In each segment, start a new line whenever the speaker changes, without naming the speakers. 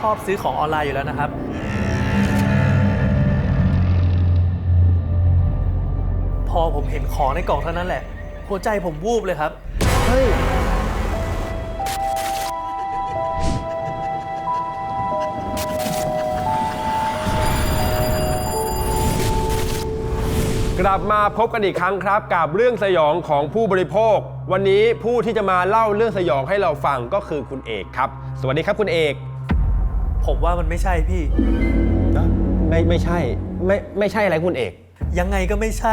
อบซื้อของออนไลน์อยู่แล้วนะครับพอผมเห็นของในกล่องเท่านั้นแหละหัวใจผมวูบเลยครับ
เฮ้ยกลับมาพบกันอีกครั้งครับกับเรื่องสยองของผู้บริโภควันนี้ผู้ที่จะมาเล่าเรื่องสยองให้เราฟังก็คือคุณเอกครับสวัสดีครับคุณเอก
ผมว่ามันไม่ใช่พี่
ไม่ใช่ไม่ใช่อะไรคุณเอก
ยังไงก็ไม่ใช่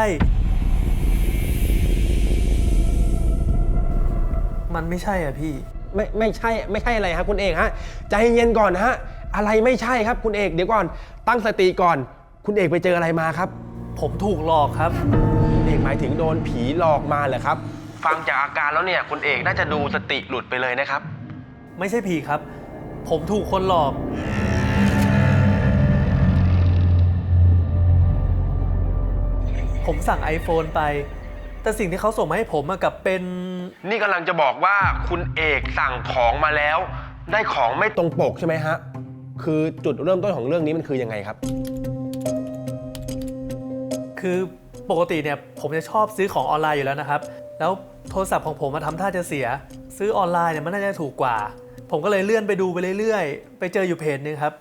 มันไม่ใช่อ่ะพี่
ไม่ใช่อะไรครับคุณเอกฮะใจเย็นก่อนฮะอะไรไม่ใช่ครับคุณเอกเดี๋ยวก่อนตั้งสติก่อนคุณเอกไปเจออะไรมาครับ
ผมถูกหลอกครับ
คุณเอกหมายถึงโดนผีหลอกมาเหรอครับฟังจากอาการแล้วเนี่ยคุณเอกน่าจะดูสติหลุดไปเลยนะครับ
ไม่ใช่ผีครับผมถูกคนหลอกผมสั่ง iPhone ไปแต่สิ่งที่เขาส่งมาให้ผมกับเป็น
นี่กำลังจะบอกว่าคุณเอกสั่งของมาแล้วได้ของไม่ตรงปกใช่ไหมฮะคือจุดเริ่มต้นของเรื่องนี้มันคือยังไงครับ
คือปกติเนี่ยผมจะชอบซื้อของออนไลน์อยู่แล้วนะครับแล้วโทรศัพท์ของผมมาทำท่าจะเสียซื้อออนไลน์เนี่ยมันน่าจะถูกกว่าผมก็เลยเลื่อนไปดูไปเรื่อยๆไปเจออยู่เพจนึงครับ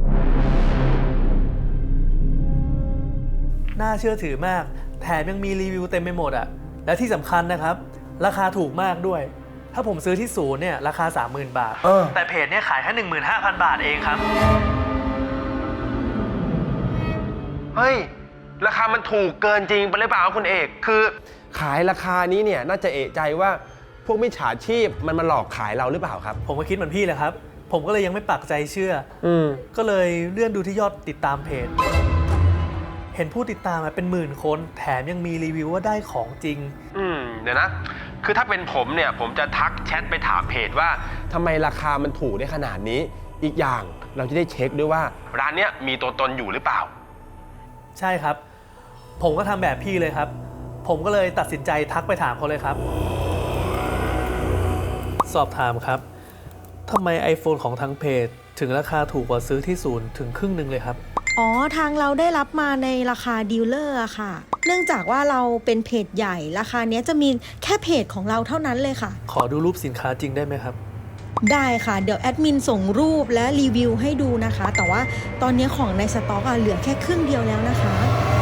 น่าเชื่อถือมากแถมยังมีรีวิวเต็มไปหมดและที่สำคัญนะครับราคาถูกมากด้วยถ้าผมซื้อที่ศูนย์เนี่ยราคา 30,000 บาทแต่เพจเนี่ยขายแค่ 15,000 บาทเองครับ
เฮ้ยราคามันถูกเกินจริงไปหรือเปล่าคุณเอกคือขายราคานี้เนี่ยน่าจะเอะใจว่าพวกมิจฉาชีพมันมาหลอกขายเราหรือเปล่าครับ
ผมก็คิดเหมือนพี่แหละครับผมก็เลยยังไม่ปักใจเชื่อก็เลยเลื่อนดูที่ยอดติดตามเพจเห็นผู้ติดตามเป็นหมื่นคนแถมยังมีรีวิวว่าได้ของจริง
เดี๋ยวนะคือถ้าเป็นผมเนี่ยผมจะทักแชทไปถามเพจว่าทำไมราคามันถูกได้ขนาดนี้อีกอย่างเราจะได้เช็คด้วยว่าร้านเนี้ยมีตัวตนอยู่หรือเปล่า
ใช่ครับผมก็ทำแบบพี่เลยครับผมก็เลยตัดสินใจทักไปถามเขาเลยครับสอบถามครับทำไม iPhone ของทางเพจถึงราคาถูกกว่าซื้อที่ศูนย์ถึงครึ่งหนึ่งเลยครับ
อ๋อทางเราได้รับมาในราคาดีลเลอร์ค่ะเนื่องจากว่าเราเป็นเพจใหญ่ราคานี้จะมีแค่เพจของเราเท่านั้นเลยค่ะ
ขอดูรูปสินค้าจริงได้ไหมครับ
ได้ค่ะเดี๋ยวแอดมินส่งรูปและรีวิวให้ดูนะคะแต่ว่าตอนนี้ของในสต็อกเหลือแค่ครึ่งเดียวแล้วนะคะ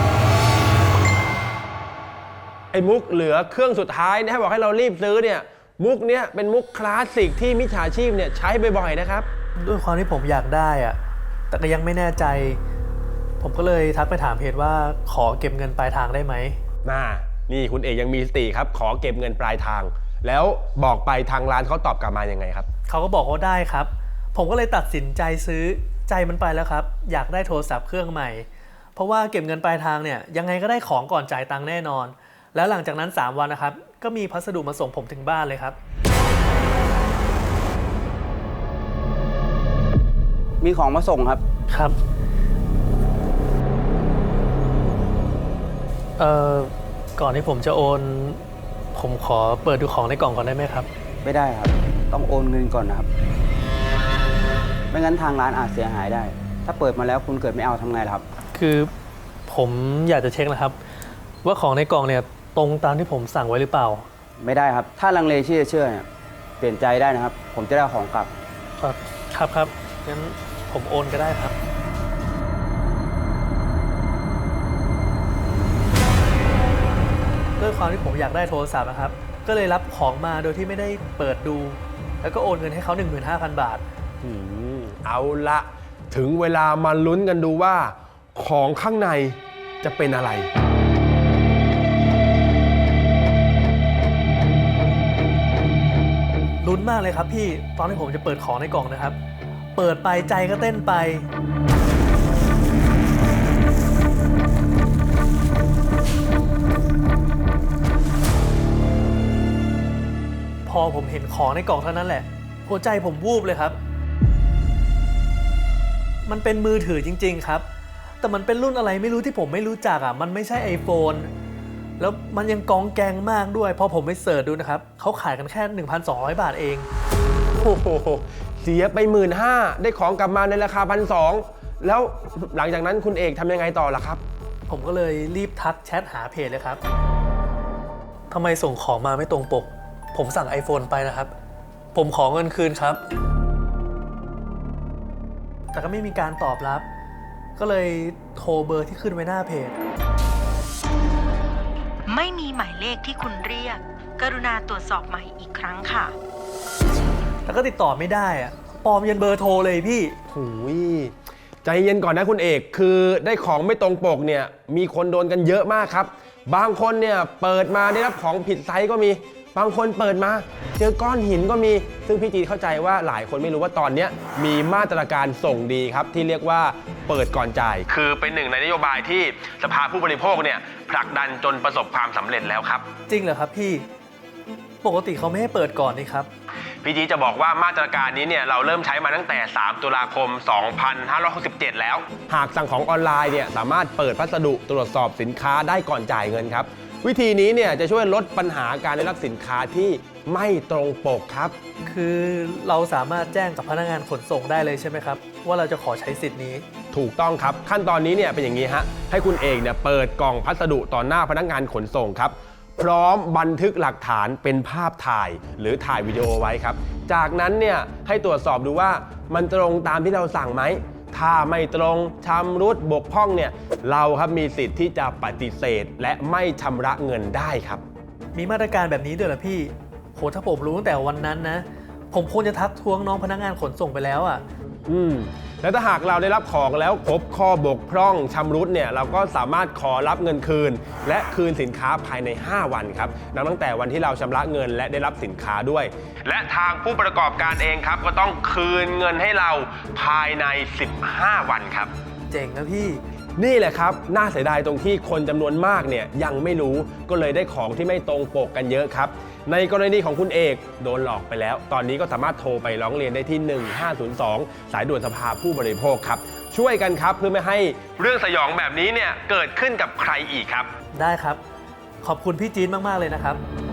ไอ้มุกเหลือเครื่องสุดท้ายนะให้บอกให้เรารีบซื้อเนี่ยมุกเนี้ยเป็นมุกคลาสสิกที่มิจฉาชีพเนี่ยใช้บ่อยๆนะครับ
ด้วยความที่ผมอยากได้แต่ก็ยังไม่แน่ใจผมก็เลยทักไปถามเพจว่าขอเก็บเงินปลายทางได้ไหม
นี่คุณเอกยังมีสติครับขอเก็บเงินปลายทางแล้วบอกไปทางร้านเขาตอบกลับมายังไงครับ
เขาก็บอกว่าได้ครับผมก็เลยตัดสินใจซื้อใจมันไปแล้วครับอยากได้โทรศัพท์เครื่องใหม่เพราะว่าเก็บเงินปลายทางเนี่ยยังไงก็ได้ของก่อนจ่ายตังค์แน่นอนแล้วหลังจากนั้น3 วันนะครับก็มีพัสดุมาส่งผมถึงบ้านเลยครับ
มีของมาส่งครับ
ครับก่อนที่ผมจะโอนผมขอเปิดดูของในกล่องก่อนได้ไหมครับ
ไม่ได้ครับต้องโอนเงินก่อนนะครับไม่งั้นทางร้านอาจเสียหายได้ถ้าเปิดมาแล้วคุณเกิดไม่เอาทำไงล่ะครับ
คือผมอยากจะเช็คนะครับว่าของในกล่องเนี่ยตรงตามที่ผมสั่งไว้หรือเปล่า
ไม่ได้ครับถ้าลังเลที่จะเชื่อเนี่ยเปลี่ยนใจได้นะครับผมจะได้ของกลับ
ครับงั้นผมโอนก็ได้ครับด้วยความที่ผมอยากได้โทรศัพท์นะครับก็เลยรับของมาโดยที่ไม่ได้เปิดดูแล้วก็โอนเงินให้เขา 15,000 บาท
เอาละถึงเวลามาลุ้นกันดูว่าของข้างในจะเป็นอะไร
ลุ้นมากเลยครับพี่ตอนที่ผมจะเปิดของในกล่องนะครับเปิดไปใจก็เต้นไปพอผมเห็นของในกล่องเท่านั้นแหละหัวใจผมวูบเลยครับมันเป็นมือถือจริงๆครับแต่มันเป็นรุ่นอะไรไม่รู้ที่ผมไม่รู้จักมันไม่ใช่ iPhone แล้วมันยังกองแกงมากด้วยพอผมไปเสิร์ชดูนะครับเขาขายกันแค่ 1,200 บาทเอง
โอ้โหเสียไป 15,000ได้ของกลับมาในราคา 1,200แล้วหลังจากนั้นคุณเอกทำยังไงต่อล่ะครับ
ผมก็เลยรีบทักแชทหาเพจเลยครับทำไมส่งของมาไม่ตรงปก ผมสั่ง iPhone ไปนะครับ ผมขอเงินคืนครับ แต่ก็ไม่มีการตอบรับ ก็เลยโทรเบอร์ที่ขึ้นไว้หน้าเพจ
ไม่มีหมายเลขที่คุณเรียก กรุณาตรวจสอบใหม่อีกครั้งค่ะ
แต่ก็ติดต่อไม่ได้อะปลอมยันเบอร์โทรเลยพี่
หูยใจเย็นก่อนนะคุณเอกคือได้ของไม่ตรงปกเนี่ยมีคนโดนกันเยอะมากครับบางคนเนี่ยเปิดมาได้รับของผิดไซส์ก็มีบางคนเปิดมาเจอก้อนหินก็มีซึ่งพี่จีเข้าใจว่าหลายคนไม่รู้ว่าตอนนี้มีมาตรการส่งดีครับที่เรียกว่าเปิดก่อนจ่ายคือเป็นหนึ่งในนโยบายที่สภาผู้บริโภคเนี่ยผลักดันจนประสบความสำเร็จแล้วครับ
จริงเหรอครับพี่ ปกติเขาไม่ให้เปิดก่อนนี่ครับ
พี่จีจะบอกว่ามาตรการนี้เนี่ยเราเริ่มใช้มาตั้งแต่ 3 ตุลาคม 2567 แล้ว หากสั่งของออนไลน์เนี่ยสามารถเปิดพัสดุตรวจสอบสินค้าได้ก่อนจ่ายเงินครับวิธีนี้เนี่ยจะช่วยลดปัญหาการได้รับสินค้าที่ไม่ตรงปกครับ
คือเราสามารถแจ้งกับพนักงานขนส่งได้เลยใช่ไหมครับว่าเราจะขอใช้สิทธิ์นี้
ถูกต้องครับขั้นตอนนี้เนี่ยเป็นอย่างนี้ฮะให้คุณเอกเนี่ยเปิดกล่องพัสดุต่อหน้าพนักงานขนส่งครับพร้อมบันทึกหลักฐานเป็นภาพถ่ายหรือถ่ายวิดีโอไว้ครับจากนั้นเนี่ยให้ตรวจสอบดูว่ามันตรงตามที่เราสั่งไหมถ้าไม่ตรงชำรุดบกพร่องเนี่ยเราครับมีสิทธิ์ที่จะปฏิเสธและไม่ชำระเงินได้ครับ
มีมาตรการแบบนี้ด้วยเหรอพี่โหถ้าผมรู้ตั้งแต่วันนั้นนะ ผมควรจะทักท้วงน้องพนักงานขนส่งไปแล้วอ่ะ
แล้วถ้าหากเราได้รับของแล้วพบข้อบกพร่องชำรุดเนี่ยเราก็สามารถขอรับเงินคืน และคืนสินค้าภายใน 5 วันครับนับตั้งแต่วันที่เราชำระเงินและได้รับสินค้าด้วย และทางผู้ประกอบการเองครับก็ต้องคืนเงินให้เราภายใน 15 วันครับ
เจ๋งนะพี่
นี่แหละครับน่าเสียดายตรงที่คนจำนวนมากเนี่ยยังไม่รู้ก็เลยได้ของที่ไม่ตรงปกกันเยอะครับในกรณีของคุณเอกโดนหลอกไปแล้วตอนนี้ก็สามารถโทรไปร้องเรียนได้ที่ 1502 สายด่วนสภาผู้บริโภคครับช่วยกันครับเพื่อไม่ให้เรื่องสยองแบบนี้เนี่ยเกิดขึ้นกับใครอีกครับ
ได้ครับ ขอบคุณพี่จี๊ดมากๆเลยนะครับ